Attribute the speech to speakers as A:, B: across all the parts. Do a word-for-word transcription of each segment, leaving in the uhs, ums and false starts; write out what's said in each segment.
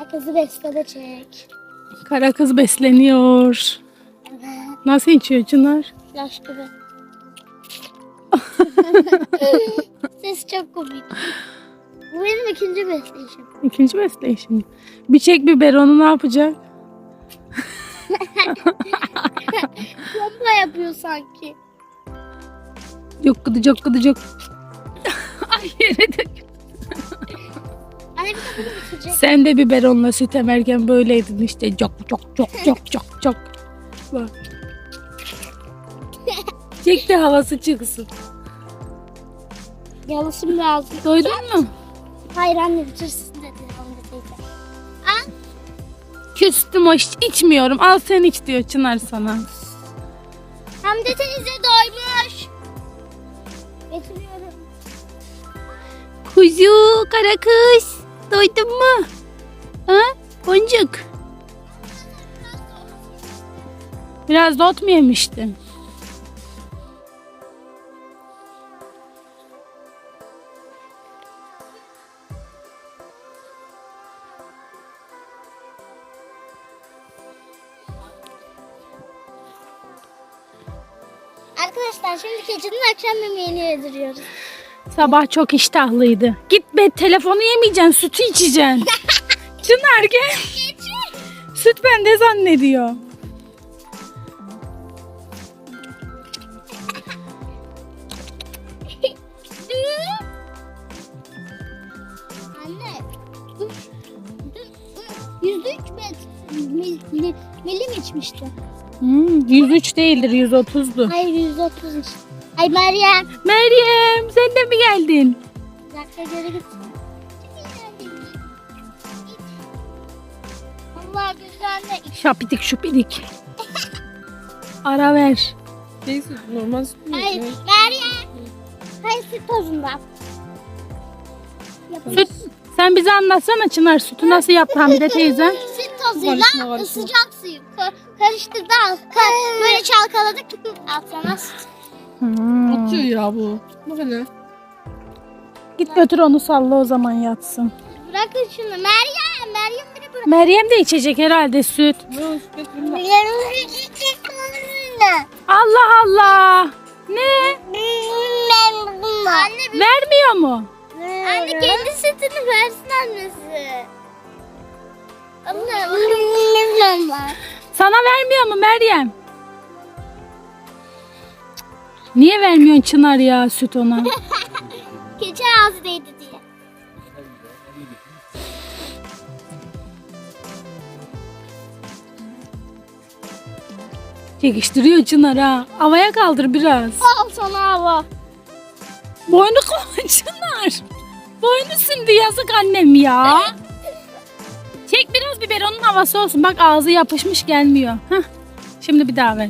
A: Kara kızı besleme çek.
B: Kara kız besleniyor.
A: Evet.
B: Nasıl içiyor Çınar?
A: Yaş gibi. Ses çok komik. Bu benim ikinci besleyişim.
B: İkinci besleyişim. Bir çek biberonu ne yapacak?
A: Bomba yapıyor sanki.
B: Yok gıdı çok gıdı çok. Ay yere dök.
A: Anne bir de bunu bitirecek.
B: Sen de biberonla süt emerken böyleydin işte. Çok çok çok çok çok çok. Bak. Çek de havası çıksın.
A: Yalasım lazım.
B: Doydun mu?
A: Hayır anne bitirsin dedi. Anne teyze. Al.
B: Küstüm o iç, içmiyorum. Al sen iç diyor Çınar sana.
A: Hamdi teyze doymuş. Getiriyorum.
B: Kuzu, kara kız. Doydun mu? Ha? Boncuk. Biraz da ot mu yemiştin?
A: Arkadaşlar şimdi keçinin akşam yemeğini yediriyoruz.
B: Sabah çok iştahlıydı. Git be, telefonu yemeyeceksin, sütü içeceksin. Çınar gel. Süt bende zannediyor.
A: Anne. Dur. Dur. yüz üç met, mil, mil, milim içmişti.
B: Hmm, yüz üç değildir, yüz otuzdu.
A: Hayır yüz otuz işte. Ay Meryem.
B: Meryem, sen de mi geldin?
A: Bir dakika geri git. Allah güzel.
B: Şapidik şupidik. Ara ver.
C: Neyse normal süt mü?
A: Hayır Meryem. Hayır süt tozundan.
B: Süt, sen bize anlatsana Çınar, sütü nasıl yaptı Hamide teyze?
A: Süt tozuyla
C: Karışma, karışma.
A: sıcak suyu ka- karıştırdı al. Ka- böyle çalkaladık. Al sana süt.
B: Hmm.
C: Atıyor ya bu. Bak hele.
B: Git götür onu, salla o zaman yatsın.
A: Bırakın şunu. Meryem. Meryem beni bırak.
B: Meryem de içecek herhalde süt.
C: Ne o süt getirin bak.
B: Allah Allah. Ne?
A: Anne,
B: Vermiyor mu?
A: anne kendi sütünü versin annesi. Allah.
B: Sana vermiyor mu Meryem? Niye vermiyorsun Çınar ya süt ona?
A: Keçi ağzı değdi diye.
B: Çekiştiriyor Çınar ha. Havaya kaldır biraz.
A: Al sana hava.
B: Boynu koy Çınar. Boynu sündü, yazık annem ya. Çek biraz biberonun havası olsun. Bak ağzı yapışmış, gelmiyor. Heh. Şimdi bir daha ver.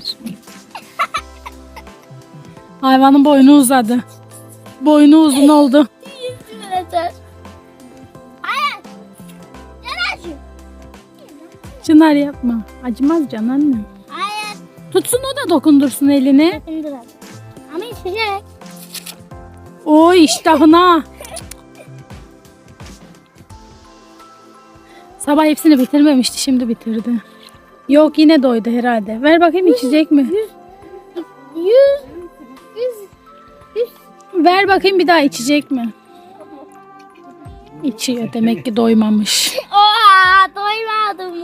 B: Hayvanın boynu uzadı. Boynu uzun oldu.
A: Yeter. Hayır. Gel acı.
B: Çınar yapma. Acımaz can anne.
A: Hayır.
B: Tutsun o da dokundursun elini.
A: İndir hadi. Ama içecek.
B: Oy iştahına. Sabah hepsini bitirmemişti, şimdi bitirdi. Yok, yine doydu herhalde. Ver bakayım, içecek mi?
A: Yüz. Yüz. Yüz.
B: Ver bakayım, bir daha içecek mi? İçiyor, demek ki doymamış.
A: Oha doymadım.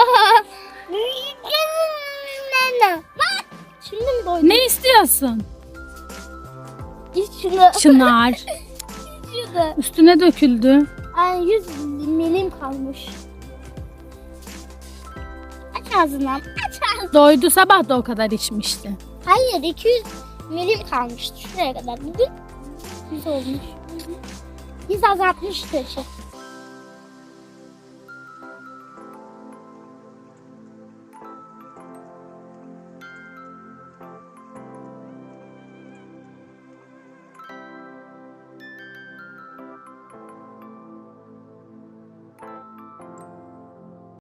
A: Bak. Şimdi mi doydun?
B: Ne istiyorsun?
A: İç şunu.
B: Çınar.
A: İç şunu.
B: Üstüne döküldü.
A: Ay yüz milim kalmış. Aç ağzını. Aç ağzını.
B: Doydu, sabah da o kadar içmişti.
A: Hayır iki yüz milim kalmıştı şuraya kadar. Bugün yüz olmuş. Yüz azaltmıştı.